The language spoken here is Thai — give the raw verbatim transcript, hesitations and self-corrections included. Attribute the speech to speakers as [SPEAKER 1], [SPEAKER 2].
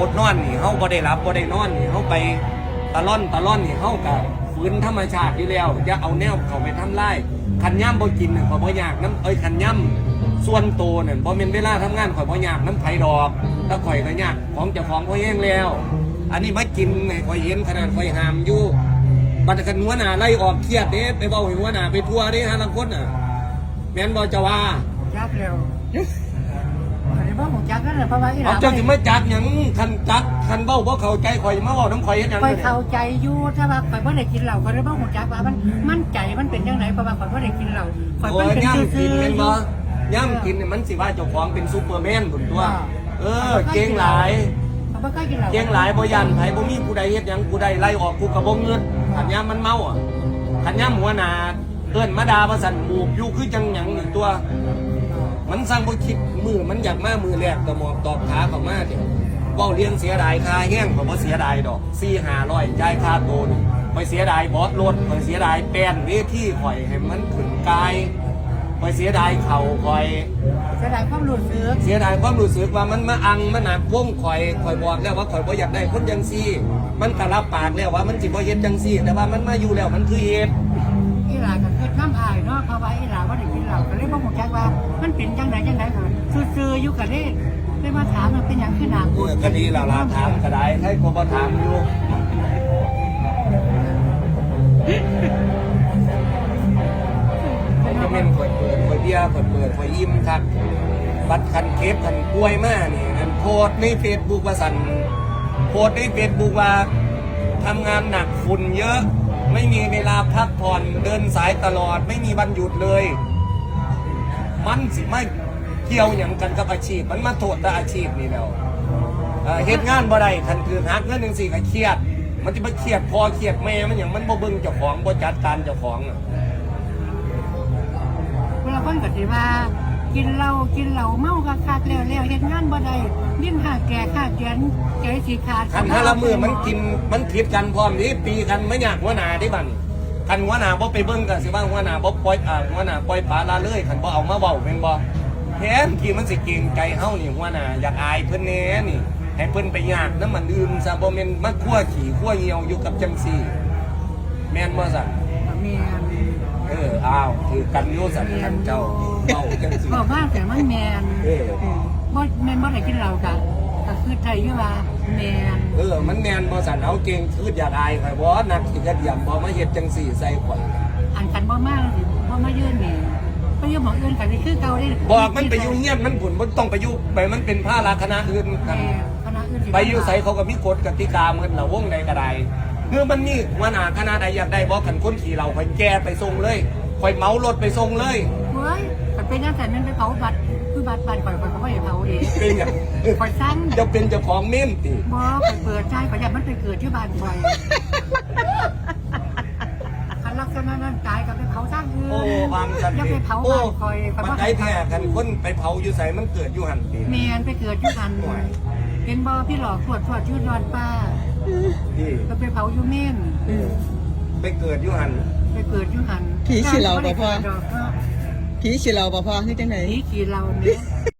[SPEAKER 1] ดนอนนี่เฮาบ่ได้รับบ่ได้นอนนี่เฮาไปตะล่อนตะล่อนนี่เฮาก็ฝืนธรรมชาติอยู่แล้วอย่าเอาแนวเข้าไปทำลายคันย่ำบ่กินน่ะข่อยบ่อยากน้ำเอ้ยคันย่ำส่วนโตนั่นบ่แม่นเวลาทำงานข่อยบ่อยากน้ำไผดอกถ้าข่อยก็ยากของเจ้าของข่อยแห้งแล้วอันนี้มากินให้ข่อยเห็นขนาดข่อยห้ามอยู่บัดกันหัวหน้าไล่ออกเครียดเด้ไปเว้าให้หัวหน้าไปทั่วเด้หาลังคนน่ะแม่นบ่จะว่า
[SPEAKER 2] จักเร็วอันนี้บ่ของจักนั่นแหละเพราะว่าอีหลา
[SPEAKER 1] เอาเจ้าสิมาจักหยังคันจักคันเว้าบ่เข้าใจข่อยมาเว้าน้ำข่อยเฮ็ดหยัง
[SPEAKER 2] ข่อยเข้าใจอยู่ถ้าว่าข่อยบ่ได้กินเหล้าข่อยเลยบ่ของจักว่ามันมันใจมันเป็นจังไดเพราะว่าข่อยบ่ได้กินเหล้าข่อย
[SPEAKER 1] โอ้
[SPEAKER 2] เพิ่
[SPEAKER 1] ย
[SPEAKER 2] นเป็น
[SPEAKER 1] ย่ำ
[SPEAKER 2] ซื่
[SPEAKER 1] กิน
[SPEAKER 2] อ
[SPEAKER 1] แม่น
[SPEAKER 2] ๆ
[SPEAKER 1] บ่ย่ำกินนี่มันสิว่าเจ้าของเป็นซูเปอร์แมนพุ่นตัวเออเก่งหลาย
[SPEAKER 2] ข่อยบ่เคยกินเหล้า
[SPEAKER 1] เก่งหลายบ่ยันไผบ่มีผู้ใดเฮ็ดหยังผู้ใดไล่ออกกูก็บ่เงินคันย่ำมันเมาอ่ะคันย่ำหัวหน้าเอิ้นมาด่าว่าสั่นหมูกอยู่คือจังหยังนี่ตัวมันสร้างบ่คิดมือมันอยากมามือแรกก็หมอบตอบขาเข้ามาเด้เว้าเลี้ยงเสียดายค่าแห้งก็บ่เสียดายดอก สี่ห้าร้อย จ่ายค่าโตนี่ข่อยเสียดายบอสรถข่อยเสียดายแป้นเวทีข่อยให้มันขึ้นกายข่อยเสียดายเข่าข่อย
[SPEAKER 2] เสียดายความรู้สึก
[SPEAKER 1] เสียดายความรู้สึกว่ามันมาอังมันหนักวงข่อยข่อยบอกแล้วว่าข่อยบ่อยากได้คนจังซี่ มันก็รับปากแล้วว่ามันสิบ่เฮ็ดจังซี่ แต่ว่ามันมาอยู่แล้วมันคือเฮ็ด
[SPEAKER 2] อีหลาก็คือน้ำอายเนาะเพราะว่าอีหลาบ่ได้กินเหล้าก็เลยบ่ของจักว่ามันเป็นจังไดจังไดก็ซื่อๆอยู่ก็เลยเลยมาถามว่าเป็นหยังคือหน้า
[SPEAKER 1] เออก็ดีแล้วล่ะถามก็ได้ให้ก็บ่ถามอยู่ข่อยก็แม่นข่อยเปิดข่อยเบียร์ข่อยเปิดข่อยอิ่มคักบัดคันเก็บคันป่วยมานี่อันโพสต์ใน Facebook ว่าสั่นโพสต์ใน Facebook ว่าทำงานหนักฝุ่นเยอะไม่มีเวลาพักผ่อนเดินสายตลอดไม่มีวันหยุดเลย มันสิไม่เกี่ยวอย่างกันกับอาชีพมันมาโทษแต่อาชีพนี่แล้วเอ่อเฮ็ดงานบ่ได้คันคือหักเงินจังซี่ก็เครียดมันจะมาเครียดพอเครียดแม่มันอย่างมันบ่เบิ่งเจ้าของบ่จัดการเจ้าของอ่ะ
[SPEAKER 2] เวลาคนก็สิว่ากินเหล้ากินเหล้าเมาคักๆแล้วๆเฮ็ดงานบ่ได้ลิ้นหาแก่ขาแขนใจสิขาด
[SPEAKER 1] คันถ้าละมือมันกินมันผิดกันพร้อมนี้ปีกันไม่อยากหัวหน้าที่บัดคันหัวหน้าบ่ไปเบิ่งก็สิว่าหัวหน้าบ่ปล่อยอ่าหัวหน้าปล่อยปลาละเลยคันบ่เอามาเว้าแม่นบ่แท้ที่มันสิเก่งใจเฮานี่หัวหน้าอยากอายเพิ่นแน่นี่ให้เพิ่นไปยากน้ำมันอื่นซะบ่แม่นมาคั่วขี้คั่วเหี่ยวอยู่กับจังซี่แม่นบ่ซั่น
[SPEAKER 2] แม่น
[SPEAKER 1] เอออ้าวคือกันอยู่ซั่นคันเจ้าเว้าจังซี่
[SPEAKER 2] บอกว่าแต่มันแม่น
[SPEAKER 1] เออ
[SPEAKER 2] บ่แม่นบ่ได้กินเหล้าก็ก็คือไทยอยู่ว่าแม่น
[SPEAKER 1] เออมันแม่นบ่ซั่นเอาเก่งคืออยากอายข่อยบ่นักสิกระเดียมบ่มาเฮ็ดจังซี่ใส่ข่อย
[SPEAKER 2] อันกันบ่มาสิบ่มายืนนี่ไปอยู่หม้องอื่นกันนี่คือเก่าเด้
[SPEAKER 1] บอกมันไปอยู่เงียบมันผุนมันต้องไปอยู่ไปมันเป็นผ้าราคณะอื่นกัน
[SPEAKER 2] แม่คณะอื่นสิ
[SPEAKER 1] ไปอยู่ใส่เขาก็มีกฎกติกาเหมือนเราวงใดก็ได้คือมันนี่หัวหน้าคณะใดอยากได้บอกกันคนขี่เราคอยแก้ไปส่งเลยคอยเมารถไปส่งเลย
[SPEAKER 2] เฮ้ยมันเป็นจังซั่นมันไปเผาบัตรคือบัตรบัตรข่อยข่อยก็บ่ได้เผาเด้
[SPEAKER 1] เป็นอย่าง
[SPEAKER 2] ข่อยสั่ง
[SPEAKER 1] จะเป็นเจ้าของเมมติ
[SPEAKER 2] บ่ข่อยเปิดใจข่อยอยากมันไปเกิดที่บ้านข่อยคันลักษณะนั้นตายก็ไปเผาทางอื่น
[SPEAKER 1] โอ้วางกัน
[SPEAKER 2] อย่าไปเผา
[SPEAKER 1] โอ้
[SPEAKER 2] บ้านข่อยข่อย
[SPEAKER 1] มัน
[SPEAKER 2] บ่
[SPEAKER 1] ไอ้แท้กันคนไปเผาอยู่ใส่มันเกิดอยู่หันตี
[SPEAKER 2] แม่นไปเกิดอยู่หันเห็นบ่พี่หลอกตรวจตรวจชื่อดอนป้า
[SPEAKER 1] ที่
[SPEAKER 2] ก็ไปเผาอยู่เม่น
[SPEAKER 1] ไปเกิดอยู่หัน
[SPEAKER 2] ไปเกิดอยู่หัน
[SPEAKER 3] ผีขี้เหล้าบ่พ่อ
[SPEAKER 2] ดอกเนาะ
[SPEAKER 3] ผีขี้เราบ่พอคือจังได
[SPEAKER 2] ผีขี้เหล้าเนี่ย